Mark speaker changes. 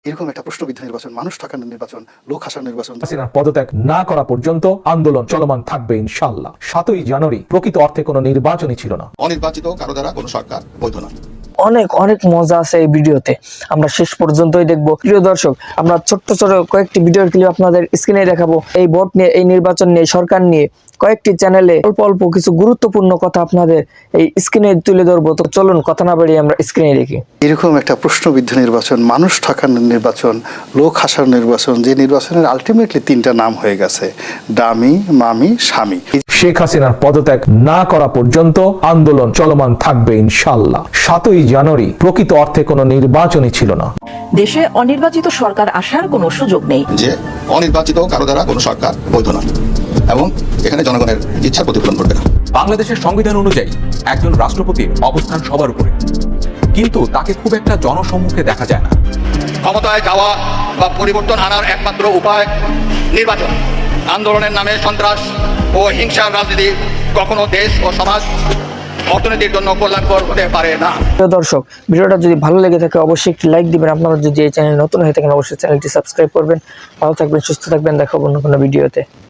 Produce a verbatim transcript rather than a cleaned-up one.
Speaker 1: এরকম একটা প্রশ্নবিদ্ধ নির্বাচন, মানুষ ঠকানোর নির্বাচন, লোক হাসার নির্বাচন।
Speaker 2: হাসিনা পদত্যাগ না করা পর্যন্ত আন্দোলন চলমান থাকবে ইনশাআল্লাহ। সাতই জানুয়ারি প্রকৃত অর্থে কোনো নির্বাচনই ছিল না।
Speaker 3: অনির্বাচিত কারো দ্বারা কোনো সরকার বৈধ নয়।
Speaker 4: অনেক অনেক মজা আছে এই ভিডিওতে, আমরা শেষ পর্যন্তই দেখবো। প্রিয় দর্শক, আমরা ছোট্ট ছোট কয়েকটি ভিডিওর ক্লিপ আপনাদের স্ক্রিনে দেখাবো। এই ভোট নিয়ে, এই নির্বাচন নিয়ে, সরকার নিয়ে কয়েকটি চ্যানেলে অল্প অল্প কিছু গুরুত্বপূর্ণ কথা আপনাদের এই স্ক্রিনে তুলে ধরবো। তো চলুন কথা না বাড়িয়ে আমরা স্ক্রিনে দেখি।
Speaker 1: এরকম একটা প্রশ্নবিদ্ধ নির্বাচন, মানুষ ঠকানোর নির্বাচন, লোক হাসার নির্বাচন, যে নির্বাচনের আলটিমেটলি তিনটা নাম হয়ে গেছে, ডামি, মামি, স্বামী।
Speaker 2: শেখ হাসিনার পদত্যাগ না করা পর্যন্ত আন্দোলন চলমান থাকবে ইনশাআল্লাহ। সাতই জানুয়ারি প্রকৃত অর্থে কোনো নির্বাচনই ছিল না।
Speaker 5: দেশে অনির্বাচিত সরকার আসার কোনো সুযোগ নেই।
Speaker 3: যে অনির্বাচিত কারো দ্বারা কোনো সরকার বৈধ নয় এবং এখানে জনগণের ইচ্ছা প্রতিফলন করবে না।
Speaker 6: বাংলাদেশের সংবিধান অনুযায়ী একজন রাষ্ট্রপতির অবস্থান সবার উপরে, কিন্তু তাকে খুব একটা জনসম্মুখে দেখা যায় না।
Speaker 3: ক্ষমতায় যাওয়া বা পরিবর্তন আনার একমাত্র উপায় নির্বাচন। আন্দোলনের নামে সন্ত্রাস ও হিংসার রাজনীতি কখনো দেশ ও সমাজ অর্থনীতির জন্য কল্যাণকর হতে পারে না।
Speaker 4: প্রিয় দর্শক, ভিডিওটা যদি ভালো লেগে থাকে অবশ্যই একটি লাইক দিবেন। আপনারা যদি এই চ্যানেল নতুন হয়ে থাকেন অবশ্যই চ্যানেলটি সাবস্ক্রাইব করবেন। ভালো থাকবেন, সুস্থ থাকবেন, দেখাবো অন্য কোনো ভিডিওতে।